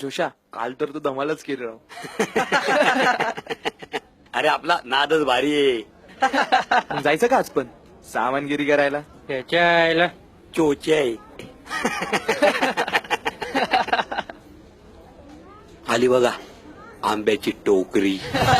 जोशा, काल तर तू धमालच केली राव. अरे आपला नादच भारी आहे. मग जायचं का आज पण सामानगिरी करायला? त्याच्या चोचे आहे. आली बघा आंब्याची टोकरी.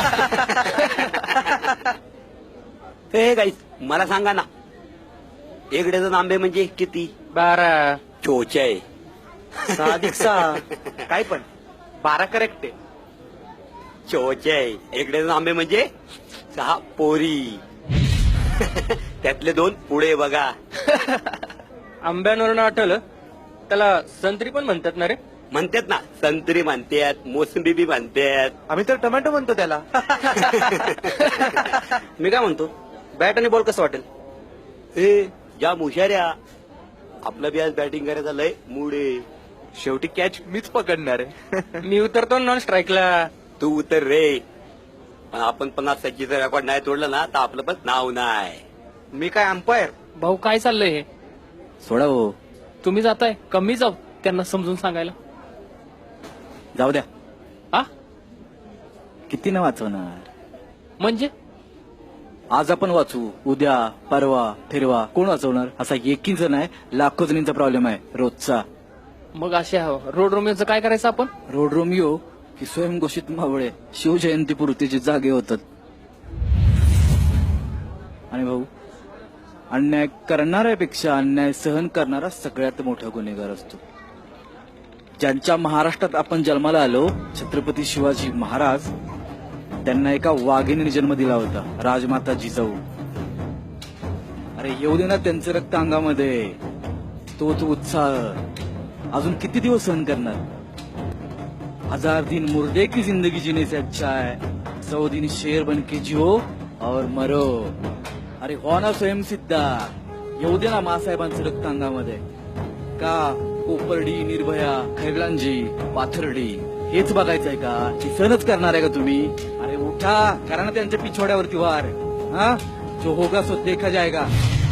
हे गाईस मला सांगा ना, एक डझन आंबे म्हणजे किती? 12. चोचे आहे. 6 काय पण 12 करेक्ट आहे. चोचे आहे. एक डझन आंबे म्हणजे 6 पोरी. त्यातले 2 पुढे बघा. आंब्यांवरून आठवलं, त्याला संत्री पण म्हणतात ना रे? म्हणतात ना, संत्री म्हणतात, मोसंबी बी म्हणतात. आम्ही तर टोमॅटो म्हणतो त्याला. मी काय म्हणतो, बॅट आणि बॉल कसं वाटेल? ए ज्या मुशाऱ्या, आपलं बी आज बॅटिंग करायचा लय मूड आहे. शेवटी कॅच मीच पकडणार आहे. मी उतरतो नॉन स्ट्राईकला. तू उतर रे, पण आपण 50 सज्जीचं रेकॉर्ड नाही तोडलं ना तर आपलं पण नाव नाही. मी काय अंपायर? भाऊ काय चाललंय हे? सोडा हो, तुम्ही जाताय, कमी जाऊ त्यांना समजून सांगायला. जाऊ द्या. हा किती न वाचवणार? म्हणजे आज आपण वाचू, उद्या परवा फिरवा कोण वाचवणार? असा एकीच नाही, लाखो जणींचा प्रॉब्लेम आहे रोजचा. मग अशा रोड रोमियोचं काय करायचं आपण? रोड रोमियो की स्वयंघोषित मावळे शिवजयंती पुरतीचे जागे होतात. आणि भाऊ, अन्याय करणाऱ्यापेक्षा अन्याय सहन करणारा सगळ्यात मोठा गुन्हेगार असतो. ज्यांच्या महाराष्ट्रात आपण जन्माला आलो, छत्रपती शिवाजी महाराज, त्यांना एका वाघिणीने जन्म दिला होता, राजमाता जिजाऊ. अरे येऊ दे ना त्यांचं रक्त अंगामध्ये, तोच उत्साह अजून किती दिवस सहन करणार? 1000 दिन मुर्दे की जिंदगी जीने से अच्छा है, 100 दिन शेर बन के जियो और मरो. अरे हो ना स्वयंसिद्धा, येऊ दे ना मासाहेबांचं रक्त अंगामध्ये. का कोपर्डी, निर्भया, खैरलांजी, पाथर्डी हेच बघायचंय का? ही सहनच करणार आहे का तुम्ही? अरे उठा, करा ना त्यांच्या पिछोड्यावरती वार. हा, जो होगा सो देखा जाएगा.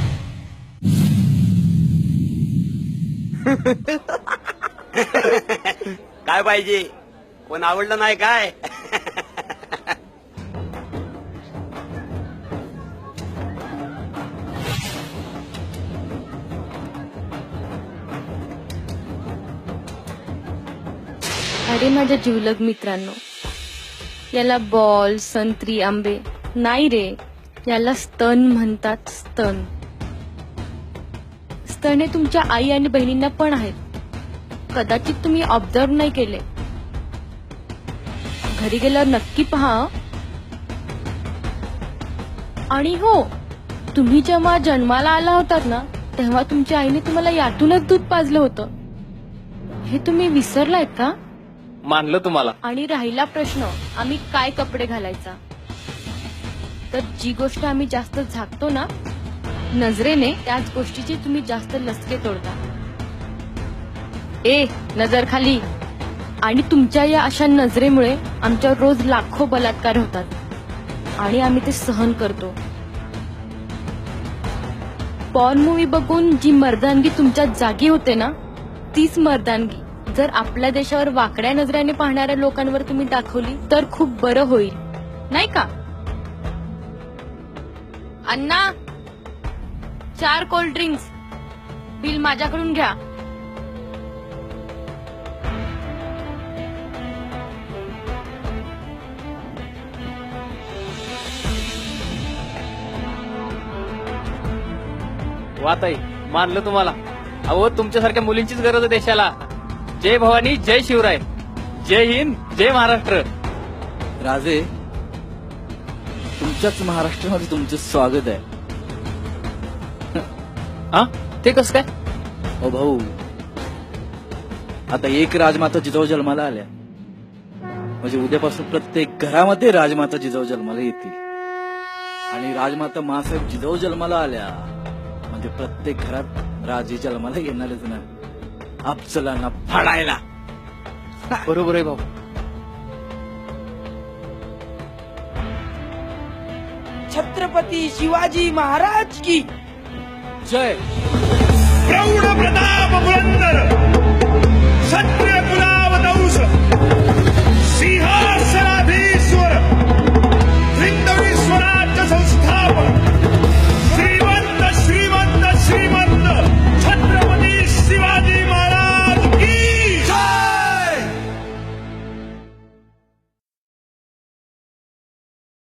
काय पाहिजे? कोण आवडलं नाही काय? अरे माझ्या जिवलग मित्रांनो, याला बॉल, संत्री, आंबे नाही रे, याला स्तन म्हणतात. स्तन स्तन हे तुमच्या आई आणि बहिणींना पण आहेत. कदाचित तुम्ही ऑब्झर्व नाही केले. घरी गेल्यावर नक्की पहा. आणि हो, तुम्ही जेव्हा जन्माला आला होतात ना, तेव्हा तुमच्या आईने तुम्हाला यातूनच दूध पाजलं होतं. हे तुम्ही विसरलायत का? मानलं तुम्हाला. आणि राहिला प्रश्न, आम्ही काय कपडे घालायचा, तर जी गोष्ट आम्ही जास्त झाकतो ना नजरेने, त्याच गोष्टीची तुम्ही जास्त लसके तोडता. ए नजर खाली. आणि तुमच्या या अशा नजरेमुळे आमच्यावर रोज लाखो बलात्कार होतात आणि आम्ही ते सहन करतो. पॉर्न मूवी बघून जी मर्दानगी तुमच्या जागी होते ना, तीच मर्दानगी जर आपल्या देशावर वाकड्या नजरेने पाहणाऱ्या लोकांवर तुम्ही दाखवली तर खूप बरं होईल, नाही का? अण्णा, 4 कोल्ड ड्रिंक्स, बिल माझ्याकडून घ्या. वा ताई, मानलं तुम्हाला. अहो, तुमच्यासारख्या मुलींचीच गरज आहे देशाला. जय भवानी, जय शिवराय, जय हिंद, जय महाराष्ट्र. राजे, तुमच्याच महाराष्ट्रामध्ये तुमचं स्वागत आहे. हा, ते कसं काय? ओ भाऊ, आता एक राजमाता जिजाऊ जन्माला आल्या म्हणजे उद्यापासून प्रत्येक घरामध्ये राजमाता जिजाऊ जन्माला येतील. आणि राजमाता मासाहेब जिजाऊ जन्माला आल्या म्हणजे प्रत्येक घरात राजे जन्माला येणारच ना, अफजलांना फाडायला. बरोबर आहे भाऊ. छत्रपती शिवाजी महाराज की जय. प्रौढ प्रताप